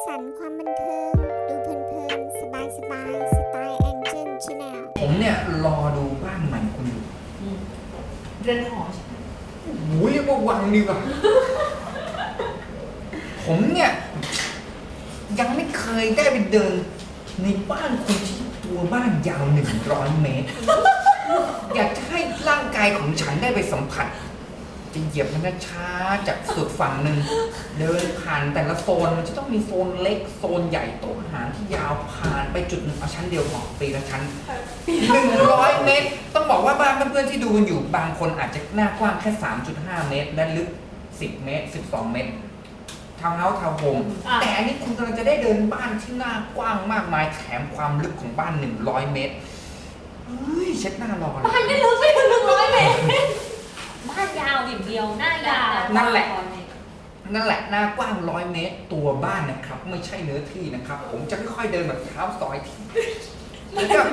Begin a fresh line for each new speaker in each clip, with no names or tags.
สันต์ความบันเทิง ดูเพลินๆ สบายๆ สไตล์แองเจิลชาแนล
ผมเนี่ยรอดูบ้านใหม่คุณอยู่
เรือนหอใช่ไหม
โอ้ยว่าวังดีกว่า ผมเนี่ยยังไม่เคยได้ไปเดินในบ้านคุณที่ตัวบ้านยาว100 เมตร อยากจะให้ร่างกายของฉันได้ไปสัมผัส จะเหยียบมันช้าจากสุดฝั่งหนึ่งเดินผ่านแต่ละโซนมันจะต้องมีโซนเล็กโซนใหญ่โต๊ะอาหารที่ยาวผ่านไปจุดหนึ่งเอาชั้นเดียวพอปีละชั้น100 เมตร ต้องบอกว่าบ้านเพื่อนๆที่ดูกันอยู่บางคนอาจจะหน้ากว้างแค่ 3.5 เมตร และลึก10 เมตร 12 เมตรทาวน์เฮาส์ทาวน์โฮมแต่อันนี้คุณกำลังจะได้เดินบ้านที่หน้ากว้างมากมายแถมความลึกของบ้าน100 เมตรเฮ้ยเช็ดหน้ารอเลย
บ้านไม่ลึกไม่ถึง100 เมตรบ้านยาวอย่างเดียวหน้ายาว
นั่นแหละหน้ากว้าง100 เมตร ตัวบ้านนะครับไม่ใช่เนื้อที่นะครับ ผมจะค่อยๆเดินแบบเท้าซอยทีแล้วก็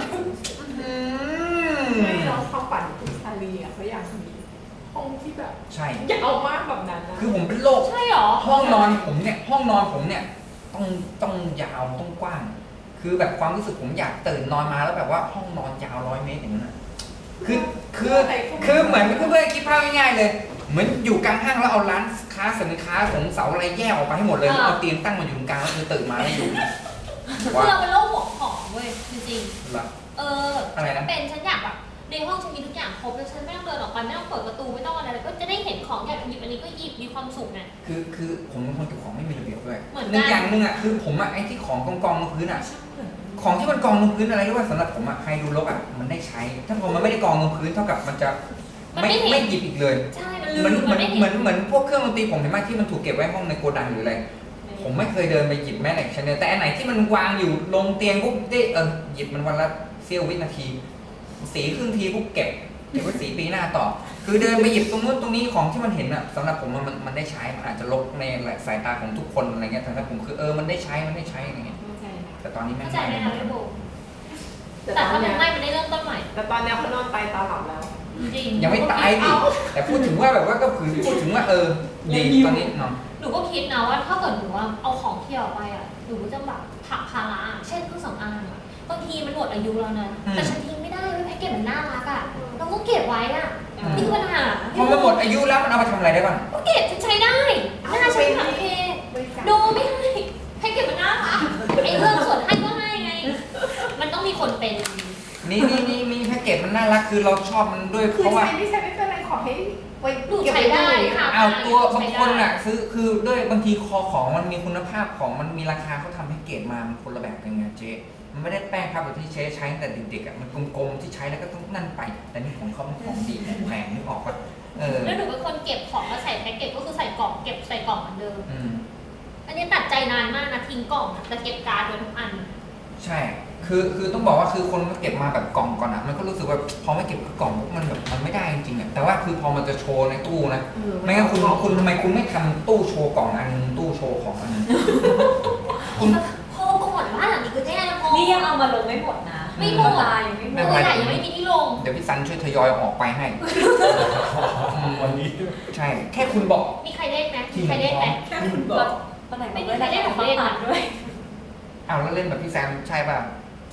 ไม่เราความฝันคุณชาลีอ่ะเขาอยากมีห้องที่แบบ
ใช่
อยากเอามากแบบนั้นนะ
คือผมเป็นโรค
ใช่หรอ
ห้องนอนผมเนี่ยต้องยาวต้องกว้าง คือแบบความรู้สึกผมอยากตื่นนอนมาแล้วแบบว่าห้องนอนยาว100 เมตรอย่างนั้นนะคือเหมือนเพื่อนๆคิดภาพง่ายๆเลย เหมือนอยู่กลางห้างแล้วเอาร้านค้าสินค้าของเสาอะไรแยกออกไปให้หมดเลยแล้วเอาเตียงตั้งมาอยู่ตรงกลางแล้วคือตื่นมาแล้วอยู่
คือเราเป็นโรคหัวของเว้ยจริง
หรอ
ๆ
อะไรนะ
เป็นฉันอยากแบบในห้องฉันมีทุกอย่างครบแล้วฉันไม่ต้องเดินออกไปไม่ต้องเปิดประตูไม่ต้องอะไรเลยก็จะได้เห็นของอยากหยิบอันนี้ก็หยิบมีความสุขไง
คือผมเป็นคนเก็บของไม่มีระเบียบด้วย
เหมือนกัน
หนึ่งอย่างหนึ่งอ่ะคือผมอ่ะไอ้ที่ของกองลงพื้นอ่ะของที่มันกองลงพื้นอะไรรู้ว่าสำหรับผมอ่ะใครดูรกอ่ะมันได้ใช้ ถ้าพอมันไม่ได้กองลงพื้นเท่ากับมันจะไม่หยิบอีกเลย
ใช่
เหมือนพวกเครื่องดนตรีผมเห็นไหมที่มันถูกเก็บไว้ห้องในโกดังหรืออะไรผมไม่เคยเดินไปหยิบแม้แต่ชั้นเดียวแต่อันไหนที่มันวางอยู่ลงเตียงปุ๊บได้หยิบมันวันละเสี้ยววินาที สีครึ่งทีปุ๊บเก็บไว้สีปีหน้าต่อ คือเดินไปหยิบตรงนู้นตรงนี้ของที่มันเห็นอ่ะสำหรับผมมันได้ใช้มันอาจจะลกในสายตาของทุกคนอะไรเงี้ยแต่สำหรับผมคือมันได้ใช้อะไรเงี้ยแต่ตอนนี้ไม่
เข้าใจไหมคะพี่โบ
แต่
แต่
ตอ
ถ้าน มั
เนี้
น
ย
ไม่มันได้เริ่มต้นใหม่
แต่ตอนเนี้ยเขานอนตายตาหลับแล้ว
จริง
ยังไม่ตายดิแต่พูดถึงว่าแบบว่าก็คือพูดถึงว่าดีตอนนี้เนาะ
หนูก็คิดนะว่าถ้าเกิดหนูว่าเอาของเที่ยวไปอ่ะหนูจะแบบผักภาระเช่นเครื่องสำอางอ่ะบางทีมันหมดอายุแล้วนะแต่ฉันทิ้งไม่ได้เว้ยแพ็กเกจมันน่ารักอ่ะเราก็เก็บไว้อ่ะนี่คือปัญหา
พอมันหมดอายุแล้วมันเอาไปทำอะไรได้บ้าง
ก็เก็บฉันใช้ได้หน้าฉันโอเคโดไม่ให้ให้เก็บมันหน้าค่ะไอ้เรื่องส่วนให้ก็ให้ไง มันต้องมีคนเป็น
มีแพ็กเกจมันน่ารักคือเราชอบมันด้วย
คือ
เพราะว่า
ใช้ไม่ใช่ไม่เป็นไรขอให้ไว้
หนูใช้ได้ค่ะ
เอาตัวบางคนอ่ะซื้อคือด้วยบางทีคอของมันมีคุณภาพของมันมีราคาเขาทำแพ็กเกจมามันคนละแบบกันไงเจ๊มันไม่ได้แป้งครับแบบที่ใช้ตั้งแต่เด็กๆอ่ะมันกลมๆที่ใช้แล้วก็ต้องนั่นไป แต่นี่ของเขามันของดีของแพงนึกออกปะ
แล้วหนูเป็นคนเก็บของแล้วใส่แพ็กเกจก็คือใส่กล่องเก็บใส่กล่องเหมือนเดิมอันนี้ตัดใจนานมากนะทิ้งกล่องแต่เก็บการ์ดไว้ทุกอัน
ใช่คือต้องบอกว่าคือคนก็เก็บมาแบบกล่องก่อนอ่ะมันก็รู้สึกว่าพอไม่เก็บกล่องมันแบบมันไม่ได้จริงๆอ่ะแต่ว่าคือพอมันจะโชว์ในตู้นะไม่งั้นคุณทำไมคุณไม่ทำตู้โชว์กล่องอันนึงตู้โชว์ของอันนึงคุณ
พอก่อนว่าหลังนี้คือแย่แล้วพอ
นี่ยังเอามาลงไม่หมดนะ
ไม่หมด
ตายยังไม่หม
ตั
ด
วใหญ่ยังไม่มีที่ลง
เดี๋ยวพี่ซันช่วยทยอยออกไปให้
วันนี้
ใช่ แค่คุณบอก
มีใครเล่นไหมมีใครเล่นไหม
แค่คุณบอก
ตอนไหน
ไม่มีใครเล่นของเล่น
ด้วย
อ้าวแล้วเล่นแบบพี่แซมใช่ป่ะ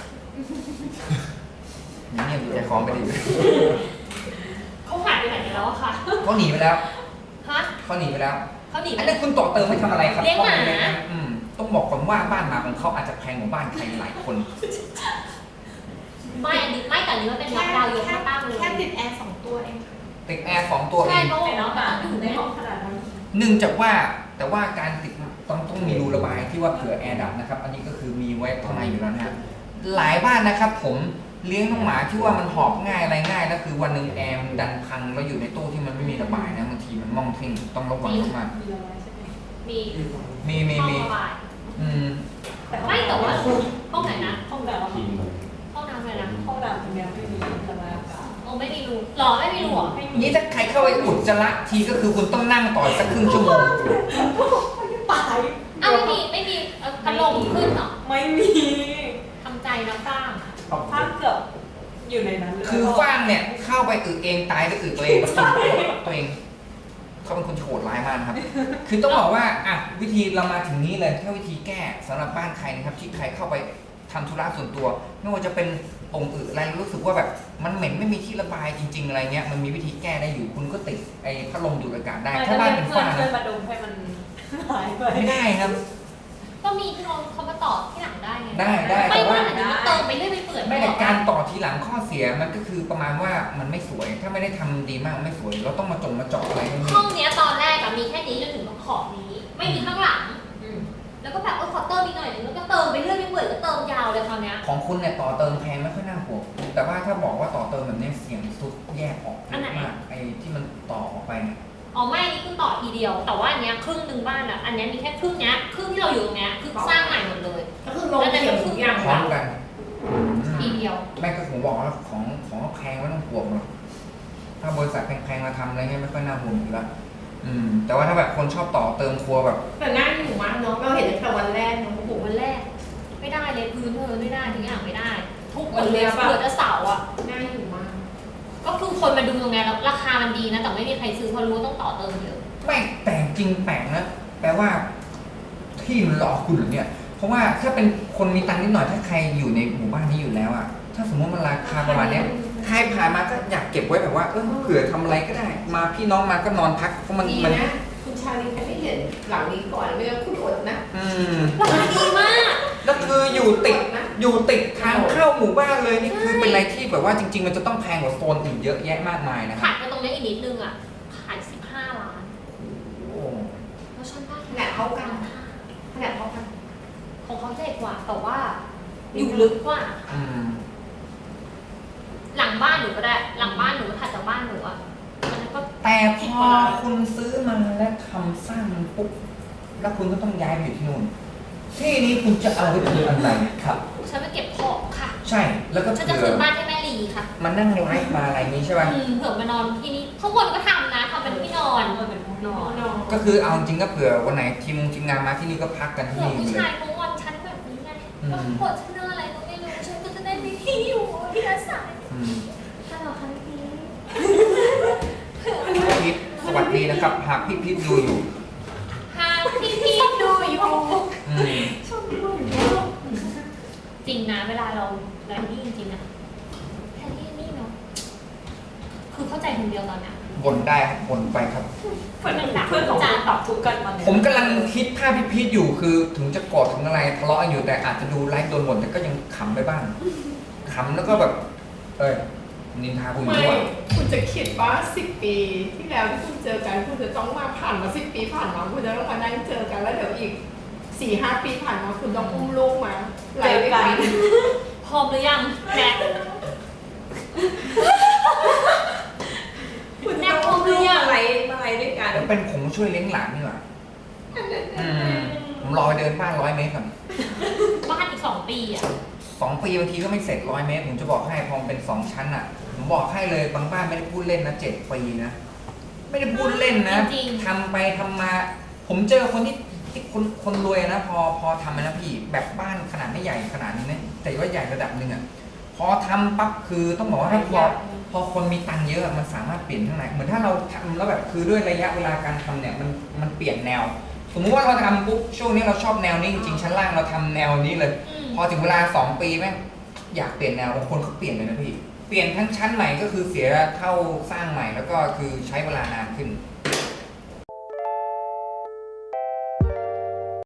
ยังเงียบอยู่ใจคอไม่ดี
เขาหายไปไหนแล้วอะค่ะ
เขาหนีไปแล้ว
ฮะ
เขาหนีไปแล้ว
เขาหนีไป
อันนี้คุณต่อเติมไปทำอะไรครับ
เลี้ยงหมา
ต้องบอกก่อนว่าบ้านหมาของเขาอาจจะแพงกว่าบ้านใครหลายคน
ไม่อันนี้ไม่แต่อันนี้มันเป็นล็อกดาวน์ยกมาตั้งเลย
แค่ติดแอร์2 ตัวเอง
ติดแอร์2 ตัวเอ
ใช่
ง
เพราะ
ไอ้น้
ว่า
องแบบ
อยู่
ใน
ใน
ห้
ห้
อ
อง ง
ขนาดนั้น
เนื่องจากว่าแต่ว่าการติดต้องมีรูระบายที่ว่าเผื่อแอร์ดับนะครับ อันนี้ก็คือมีไว้ข้างในอยู่แล้วนะฮะหลายบ้านนะครับผมเลี้ยงน้องหมาที่ว่ามันหอบง่ายอะไรง่ายแล้วคือวันหนึ่งแอร์มันดันพังแล้วอยู่ในตู้ที่มันไม่มีระบายนะบางทีมันมองทิ้งต้องระวังมาก
มีร้อยใช่ไหม
มี
มี
ห้องระบายไม่แต่ว่าห้องไหนนะ
ห้องดาว
ทีมเลย
ห้องน้ำเลยนะ
ห้องดาวตรงนี้ไม่มีระบายอากาศ
โอ้ไม่มีรูหรอไม่มีรูเหรอ
ไม่มี
นี่ถ้าใครเข้าไปอุจจาระทีก็คือคุณต้องนั่งต่อสักครึ่งชั่วโมง
ตาย
อ้าวไม่มีพัดลมขึ้นเหรอ
ไม่มี
ทำใจนะสร้าง
ถ้าเกือบอยู่ในนั้นเลย
คือฟ้างเนี่ยเข้าไปอึเองตายก็อึตัวเองกินตัวเองเขาเป็นคนที่โหดร้ายมากนะครับ คือต้องบอกว่าอ่ะวิธีเรามาถึงนี้เลยถ้าวิธีแก้สำหรับบ้านใครนะครับที่ใครเข้าไปทำธุระส่วนตัวไม่ว่าจะเป็นองค์อื่นอะไรรู้สึกว่าแบบมันเหม็นไม่มีที่ระบายจริง ๆอะไรเงี้ยมันมีวิธีแก้ได้อยู่คุณก็ติดไอ้พัดลมดูดอากาศได้ถ้าบ้านเป็นฝ้า
เพื่อ
นะ
นมาดมให้มันหายไป
ไม่ได้ครับ
ก็มีพี่น้องเขามาต่อที่หลังได้ไง
ได้
ไม่
แต่ว่า
ว่าอันนี้มันเติมไปเรื่อยไปเปื่อย
ไม่แต่การต่อทีหลังข้อเสียมันก็คือประมาณว่ามันไม่สวย ถ้าไม่ได้ทำดีมากมันไม่สวย เราต้องมาเจาะอะไรให้มัน
ห้องเนี้ยตอนแรกอะมีแค่นี้จนถึงขอบนี้ ไม่มีข้างหลัง แล้วก็แบบขอเติมอีกหน่อยนึงแล้วก็เติมไปเรื่อยไปเปื่อยก็เติมยาวเลยคราวเนี้ย
ของคุณเนี่ยต่อเติมแพงไม่ค่อยน่าห่วงแต่ว่าถ้าบอกว่าต่อเติมแบบนี้เสียงสุดแยกออกเยอะมากไอ้ที่มันต่อออกไปเนี่ย
อ๋อไม่อันนี้คือต่อทีเดียว แต่ว่าอันเนี้ยครึ่งหนึ่งบ้านอะอันเนี้ยมีแค่ครึ่งเนี้ยครึ่งที่เราอยู่ตรงเนี้ยคือสร้างใหม่หมดเลย
ก็คือลงเขียวทุกอย่าง
พร้อมกัน
ทีเดียว
แม่ก็ผมบอกว่าของแพงไม่ต้องห่วงหรอกถ้าบริษัทแพงๆมาทำอะไรเงี้ยไม่ค่อยน่าห่วงอยู่แล้วแต่ว่าถ้าแบบคนชอบต่อเติมครัวแบบ
แต่น่าอยู่มากเนาะเราเห็นตั้งแต่วันแรกเนาะ
โอ้โหวันแรก ไม่ได้เลยพื้นไม่ได้ทุกอย่างไม่ได้ ทุกคนเลยเปิดจะเสาอะ
น่าอยู่มาก
ก็คือคนมาดูตรงเนี้ยแล้วราคามันดีนะแต่ไม่มีใครซื้อเพราะรู้ว่าต้องต่อเติมเยอะ
ไม่แต่จริงแปลกนะแปลว่าที่มันหลอกคุณเหรอเนี่ย เพราะว่าถ้าเป็นคนมีตังค์นิดหน่อยถ้าใครอยู่ในหมู่บ้านนี้อยู่แล้วอะถ้าสมมติมันราคาประมาณเนี้ยใครผ่านมาก็อยากเก็บไว้แบบว่าเผื่อทำอะไรก็ได้ มาพี่น้องมาก็นอนพักเพราะมัน
ดีนะคุณชาลีไม่เห็นหลังนี้ก่อนไม่งั้นคุณอดนะ
ราคาดีมาก
แล้วคืออยู่ติดทางเข้าหมู่บ้านเลยนี่คือเป็นอะไรที่แบบว่าจริง ๆ มันจะต้องแพงกว่าโซนอื่นเยอะแยะมากมายนะค
ขา
รับ
ดไปตรงนี้อีกนิดนึงอะขาย15 ล้าน
โอ้
แล้วชั้นได้
ขนาดเท่ากันขนาดเท่ากัน
ของเขาใหญ่กว่าแต่ว่าอยู่ลึกกว่า หลังบ้านหนูก็ได้ หลังบ้านหนูก็ถัดจากบ้านหนูอะมันก็
แต่พอคุณซื้อมาและทำสร้างมันปุ๊บแล้วคุณก็ต้องย้ายไปอยู่ที่นู่นที่นี้คุณจะเอาไปทำอะไรครับ
ฉันไปเก็บของค่ะ
ใช่แล้วก็
ฉันจะ
เผื่
คื
อน
บ้านให้แม่ลีค่ะ
มานั่งไลฟ์มาอะไรนี้ใช่ป่ะ
เผื่อมานอนที่นี่ข้างบนก็ทำนะทำเป็นที่นอน
มันเป็นห้องนอน
ก็คือเอาจริงก็เผื่อวันไหนทีมงานมาที่นี่ก็พักกันที่
เผื่อ
นี่
ผู้
เล
ชาย
ย
เขางอนฉันแบบนี้ไงแล้วกดฉันอะไรก็ไม่รู้ฉันก็จะได้มีที่อยู่ที่อาศัย
อืม
ฮัลโหลค่ะพี่
พีทสวัสดีนะครับหากพี่พีทดูอยู่
หากพี่ดูอยู่
อืม
จริงนะเวลาเรานี่จริงๆนะแค่นี่เนาะคือเข้าใจคนเดียวตอนเนี้ย
บ่นได้ครับบ่นไปครับ
เพื่อนของคุณตอบทุกกันมาเนี่ย
ผมกำลังคิดภาพพี่พีทอยู่คือถึงจะโกรธถึงอะไรทะเลาะกันอยู่แต่อาจจะดูไลฟ์โดนบ่นแต่ก็ยังขำไปบ้างขำแล้วก็แบบ นินทาคุณ
ไม่
ด้วย
คุณจะคิดว่า10 ปีที่แล้วที่คุณเจอกันคุณจะต้องมาผ่านมา10 ปีผ่านมาคุณจะต้องมานั่งเจอกันแล้วเดี๋ยวอีก 4-5 ปีผ่านมาคุณต้องอุ้มลูกมาไหลด้วยกัน
พร้อมหรือยังแน็ก
คุณจะต้องอุ้มลูกมาไหลด้วยกัน
แล้วเป็นผมช่วยเลี้ยงหลานนี่หว่าผมรอไปเดินบ้าน100 เมตรก่อน
บ้านอีก2 ปีอ่ะ
2 ปีบางทีก็ไม่เสร็จ100 เมตรผมจะบอกให้พอมันเป็น2 ชั้นอ่ะผมบอกให้เลยบางบ้านไม่ได้พูดเล่นนะ7 ปีนะไม่ได้พูดเล่นนะ
จริง
ทำไปทำมา ผมเจอคนที่คนรวยนะพอทำนะพี่แบบบ้านขนาดไม่ใหญ่ขนาดนี้นะแต่ว่าใหญ่ระดับหนึ่งอ่ะพอทำปั๊บคือต้องบอกว่าถ้าพอคนมีตังค์เยอะมันสามารถเปลี่ยนข้างในเหมือนถ้าเราทำแล้วแบบคือด้วยระยะเวลาการทำเนี่ยมันเปลี่ยนแนว สมมุติว่าเราทำปุ๊บช่วงนี้เราชอบแนวนี้จริงๆชั้นล่างเราทำแนวนี้เลย พอถึงเวลา2 ปีแม่งอยากเปลี่ยนแนวบางคนเขาเปลี่ยนเลยนะพี่เปลี่ยนทั้งชั้นใหม่ก็คือเสียเท่าสร้างใหม่แล้วก็คือใช้เวลานานขึ้น